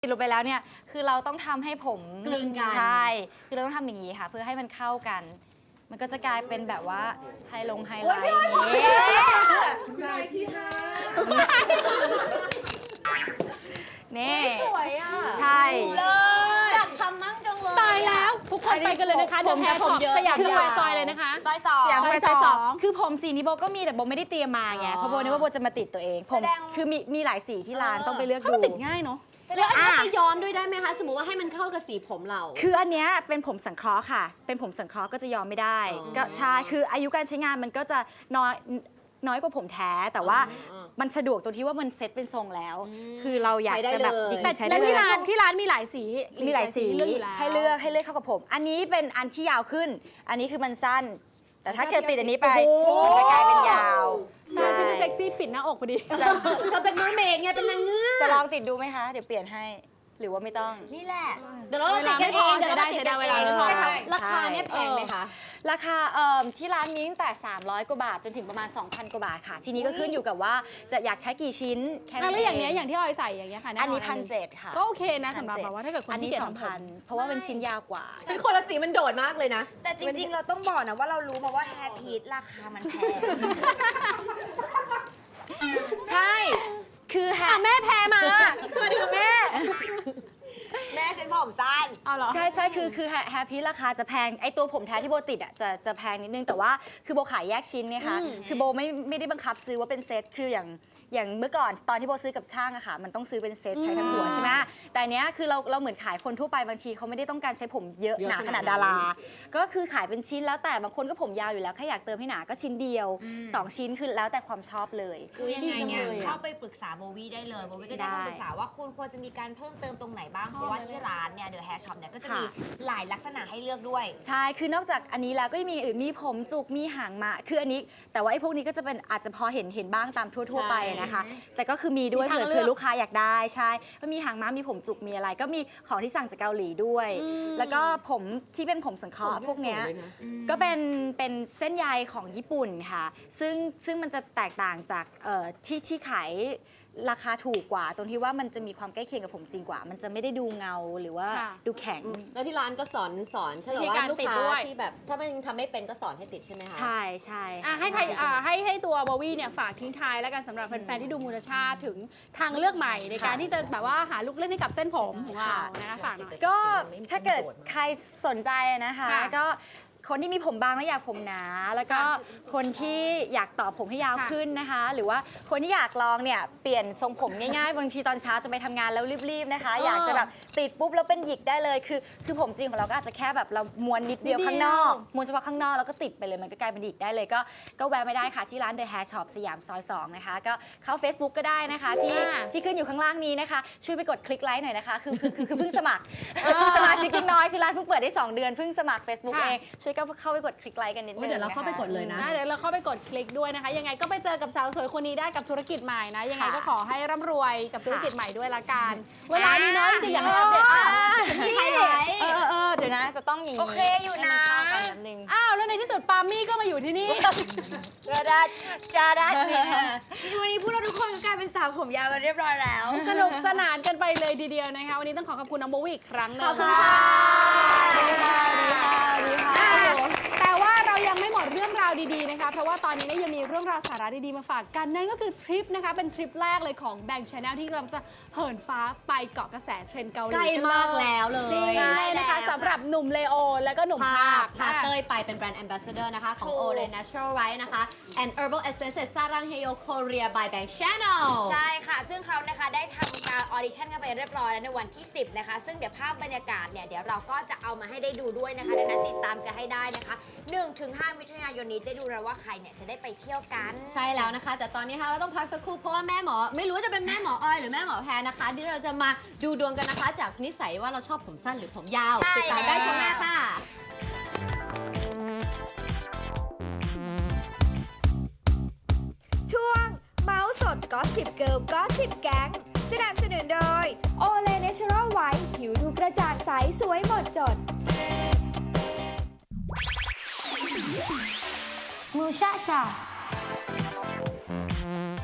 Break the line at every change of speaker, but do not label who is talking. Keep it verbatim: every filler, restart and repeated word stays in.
ติดลงไปแล้วเนี่ยคือเราต้องทำให้ผม
กลืนกัน
ใช่คือเราต้องทำอย่างนี้ค่ะเพื่อให้มันเข้ากัน มันก็จะกลายเป็นแบบว่าไฮลงไฮไลท์อย่างนี้
นายที่ห้า
นี่
สวยอ่ะ
ใช่
อยากทำมั่งจังเลย
ตายแล้วทุกคนไปกันเลยนะคะเดี๋ยวแฮร์ช็อปสยามสแควร์ซอยเลยนะคะ
ซอยสอง
เสียงไป
ซ
ซ
อ
อย ย
ส
ส
อ
อง งคือผมสีนี้โบก็มีแต่โบไม่ได้เตรียมมาไง
อ๋อ
เพราะโบนึกว่าโบจะมาติดตัวเองผม
แสดง
คือมีมีหลายสีที่ร้าน
เออ
ต้องไปเลือก
ถ้า
ดู
มันติดง่ายเนาะ
แล้วอันนี้ไปย้อมด้วยได้ไหมคะ สมมติว่าให้มันเข้ากับสีผมเรา
คืออันเนี้ยเป็นผมสังเคราะห์ค่ะ เป็นผมสังเคราะห์ก็จะยอมไม่ได้
อ๋อ
ก็ใช่คืออายุการใช้งานมันก็จะน้อยน้อยกว่าผมแท้ แต่ว่า
อ๋อ
มันสะดวกตรงที่ว่ามันเซ็ตเป็นทรงแล้ว
อืม
คือเราอยาก
ใช้ได้
จะแบบ
เลย
จริงๆ
แต่
ใช้
แล้
ได้
ว
เล
ที่
ย
ร้านที่ร้านมีหลายสี
มีหลายสี
เลือกอยู่แล้ว
ให้เลือกให้เลือกเข้ากับผม อันนี้เป็นอันที่ยาวขึ้น อันนี้คือมันสั้น แต่ถ้าเกิดติดอันนี้ไป
โอ้โห
มันจะกลายเป็นยาว
ใช่ฉันจะเซ็กซี่ปิดหน้าอกพอดี
เธอเป็นมือเมดไงเป็นนางเงือก
จะลองติดดูไหมคะ เดี๋ยวเปลี่ยนให้ หรือว่าไม่ต้อง
นี่แหละ เดี๋ยวเราติดกันเองเดี๋ยวเราติดกันเอง
เวลาไม่พอ
ราคาเนี่ยแพงไหมคะ
ราคาเอ่อที่ร้านมีตั้งแต่ สามร้อยกว่าบาท จนถึงประมาณ สองพัน กว่าบาทค่ะ ทีนี้ก็ขึ้นอยู่กับว่าจะอยากใช้กี่ชิ้นแค่นั้น
แล้วอย่าง
เอ
เนี้ย
ง
อย่างที่ออยใส่อย่างเงี้ยค่ะ
อันนี้
แ
พันเจ็ดค่ะ
ก็โอเคนะสำหรับแบบว่าถ้าเกิดคน
อัน
ที่
นี้
เกียจ
สอง
ทำผ
พัน
ม
เพราะว่าเป็นชิ้นยาวกว่า
คือคนละสีมันโดดมากเลยนะ
แต่จริงๆ เราต้องบอกนะว่าเรารู้มาว่าแฮร์พีทราคามันแพง
ใช่ คือแฮ
อ่ะแม่แพ้มาสวัสดีค่ะแม่
แม่ฉันผมสั้น
เอาเหรอ
ใช่ใช่คือคือแฮร์พีราคาจะแพงไอตัวผมแท้ที่โบติดอ่ะจะจะแพงนิดนึงแต่ว่าคือโบขายแยกชิ้นเนี่ยค่ะ
อืม
คือโบไม่ไม่ได้บังคับซื้อว่าเป็นเซตคืออย่างอย่างเมื่อก่อนตอนที่โบซื้อกับช่างอะค่ะมันต้องซื้อเป็นเซตใช้ทั้งหัวใช่ไหมแต่อันเนี้ยคือเราเราเหมือนขายคนทั่วไปบางทีเขาไม่ได้ต้องการใช้ผมเยอะ
เยอะ
หนา
ข
ข
นา
นา
ด
ด
นั้น
ดารา ก็คือขายเป็นชิ้นแล้วแต่บางคนก็ผมยาวอยู่แล้วแค่อยากเติมให้หนาก็ชิ้นเดียวสองชิ้นคือแล้วแต่ความชอบเลย
คือยังไงเนี่ย
ดีจังเลยอะ
เข้าไปปรึกษาโบวี่ได้เลยโบวี่ก็จะ
ได้
คำปรึกษาว่าคุณควรจะมีการเพิ่มเติมตรงไหนบ้าง เพราะว่าที่ร้านเนี่ยเดอะแฮร์ช็อปเนี่ยก็จะมีหลายลักษณะให้เลือกด้วย
ใช่ คือนอกจากอันนี้แล้วก็มีอื่นมีผมจุก มีหางมา คืออันนี้ แต่ว่าไอ้พวกนี้ก็จะเป็นอาจจะพอเห็นเห็นบ้างตามทั่ว ๆ ไปนะคะ แต่ก็คือมีด้วย
มีทาง
เผื่อ
เลือก
เผื่อลูกค้าอยากได้ใช่มันมีหางม้ามีผมจุก มีอะไร ก็มีของที่สั่งจากเกาหลีด้วย แล้วก็ผมที่เป็นผมสังเคราะห์พวกเนี้ย ก็เป็นเป็นเส้นใยของญี่ปุ่นค่ะ ซึ่งซึ่งมันจะแตกต่างจากเอ่อที่ที่ขายราคาถูกกว่า ตรงที่ว่ามันจะมีความใกล้เคียงกับผมจริงกว่า มันจะไม่ได้ดูเงาหรือว่า
ค่ะ
ดูแข็ง
แล้วที่ร้านก็สอนสอนถ้าเกิด
วิธี
ว่า
การ
ลูก
ติด
ค้า
ด้วย
ที่แบบถ้ามันทำไม่เป็นก็สอนให้ติดใช่ไหมคะ
ใช่ใช่
อ่ะให้ไทยอ่ะให้ให้ตัวบวี่เนี่ยฝากทิ้งท้ายแล้วกันสำหรับแฟนๆที่ดูมูลชาติถึงทางเลือกใหม่ในการที่จะแบบว่าหาลูกเล่นให้กับเส้นผมของเรานะคะฝากหน่อย
ก็ถ้าเกิดใครสนใจนะคะ
ค่ะ
ก็คนที่มีผมบางแล้วอยากผมหนา แล้วก็คนที่อยากต่อผมให้ยาว
ค่ะ
ขึ้นนะคะ หรือว่าคนที่อยากลองเนี่ยเปลี่ยนทรงผมง่ายๆ บางทีตอนเช้าจะไปทำงานแล้วรีบๆนะคะ อยากจะแบบติดปุ๊บแล้วเป็นหยิกได้เลยคือคือผมจริงของเราก็อาจจะแค่แบบเราม้วนนิดเดียว
นิดเดียว
ข้างนอกม้วนเฉพาะข้างนอกแล้วก็ติดไปเลยมันก็กลายเป็นหยิกได้เลยก็ก็แวะไม่ได้ค่ะที่ร้าน The Hair Shop สยามซอยสองนะคะก็เข้า Facebook ก็ได้นะคะที่
ค่ะ
ที่ขึ้นอยู่ข้างล่างนี้นะคะช่วยไปกดคลิกไลค์หน่อยนะคะคือคือคือคือเพิ่งสมัคร สมาชิกน้อยคือร้านเพิ่งเปิดได้สองเดือนเพิ่งสมัคร Facebook
ค่ะ
เองช่วยก็เข้าไปกดคลิกไลค์กันนิดนึง
เดี๋ยวเราเข้าไปกดเลยนะ
นะเดี๋ยวเราเข้าไปกดคลิกด้วยนะคะ ยังไงก็ไปเจอกับสาวสวยคนนี้ได้กับธุรกิจใหม่นะ ยังไงก็ขอให้ร่ำรวยกับธุรกิจใหม่ด้วยละกัน เวลานี้น้อยจริงๆอยากให้อัปเดตอ่ะ
มีใครไลค์เออเออเดี๋ยวนะจะต้องอย่างนี้
โอเคอยู่นะ
ให้มัเข้ากันนิดนึง
อ้าวแล้วในที่สุดปาล์มมี่ก็มาอยู่ที่นี่
กระดาษจาดัด
วันนี้พวกเราทุกคนก็กลายเป็นสาวผมยาวกันเรียบร้อยแล้ว
สนุกสนานกันไปเลยทีเดียวนะคะ วันนี้ต้องขอขอบคุณน้องโบวี่อีกครั้งหนึง
ขอบคุณค่ะ
ดีค่ะดีค่ะดีค่ะ
อ่ะแต่ว่าเรายังไม่หมดเรื่องราวดีๆนะคะ เพราะว่าตอนนี้เนี่ยยังมีเรื่องราวสาระดีๆมาฝากกัน นั่นก็คือทริปนะคะ เป็นทริปแรกเลยของแบงค์ชาแนลที่กำลังจะเหินฟ้าไปเกาะกระแสเทรนด์เกาหลี
ใกล้มากแล้วเลย
จริง
ใช่
เลยนะคะ
แล้ว
สำหรับหนุ่มเลโอและก็หนุ่ม
พา
ภาค
พาเต้ยไปเป็นแบรนด์ Ambassador นะคะ ของ
ถูก
Olay Natural Right นะคะ and Herbal Essences ซารังเฮโย Korea by Bank Channel
ใช่ค่ะ ซึ่งเขานะคะได้ทำการออดิชั่นกันไปเรียบร้อยแล้วในวันที่ สิบนะคะ ซึ่งเดี๋ยวภาพบรรยากาศเนี่ย เดี๋ยวเราก็จะเอามาให้ได้ดูด้วยนะคะ ดังนั้นติดตามกันให้ได้นะคะ หนึ่งถึงห้า มิถุนายนนี้จะดูแล้วว่าใครเนี่ยจะได้ไปเที่ยวกัน
ใช่แล้วนะคะ แต่ตอนนี้ค่ะเราต้องพักสักครู่เพราะว่าแม่หมอ ไม่รู้จะเป็นแม่หมอออยหรือแม่หมอแพรนะคะ ที่เราจะมาดูดวงกันนะคะ จากนิสัยว่าเราชอบผมสั้นหรือผมยาว
ใช่
ติดตามได้ช่วงหน้าค่ะ
ช่วงเมาส์สดก็สิบเกิลก็สิบแก๊งสนับสนุนโดย โอเลเนเชอรัลไวท์ผิวดูกระจ่างใส สวยหมดจด
มูชาชา